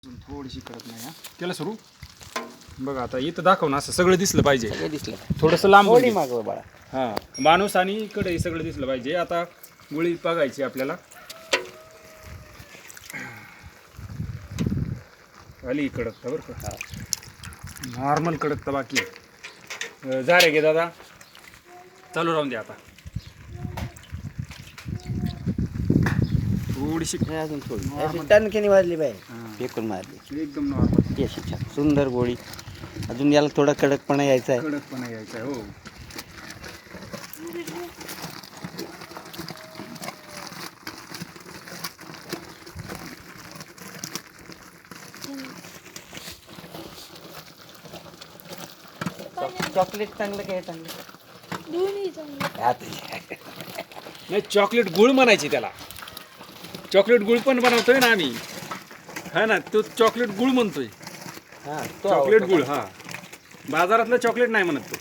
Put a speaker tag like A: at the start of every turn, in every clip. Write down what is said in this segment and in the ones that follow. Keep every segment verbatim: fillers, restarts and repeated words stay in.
A: थोडीशी कडक नाही हा केलं सुरू बघा आता इथं दाखव ना असं सगळं दिसलं पाहिजे
B: सगळं दिसलं
A: थोडंसं लांब
B: थोडी मागव बाळा.
A: हां माणूस आणि इकडे सगळं दिसलं पाहिजे. आता गुळी बघायची आपल्याला आली कडक बरं का नॉर्मल कडक तर बाकी आहे. जा रे घे दादा चालू राहून दे आता थोडीशी
B: हे अजून थोडी अशी टणकेने वाजली बाई फेकून मारली
A: एकदम नॉर्मल
B: ती अशी छान सुंदर गोळी. अजून याला थोडा कडकपणा यायचा आहे.
A: कडकपणा यायचा आहे हो.
B: चॉकलेट चांगलं काय चांगलं
A: नाही चॉकलेट गुळ म्हणायची त्याला. चॉकलेट गुळ पण बनवतोय ना आम्ही हा ना तो चॉकलेट गुळ म्हणतोय.
B: हां
A: चॉकलेट गुळ हा बाजारातलं चॉकलेट नाही म्हणत तो.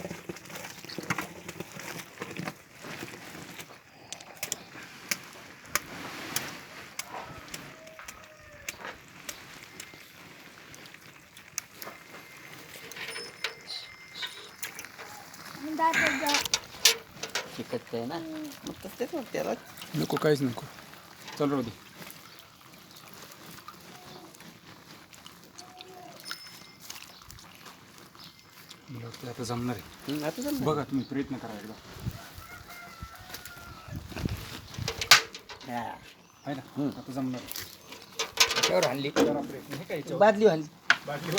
B: चिकट आहे ना मग तसंच वाटतं त्याला.
A: नको काहीच नको चालू राहू दे. मला वाटतं आता जमणार आहे.
B: हं, आता जमलं.
A: बघा तुम्ही प्रयत्न करा एकदा
B: हां.
A: आहे ना
B: हं.
A: आता जमणार आहे.
B: त्याच्यावर हल्ली
A: करा प्रयत्न हे काय
B: बादली हल्ली
A: बाकी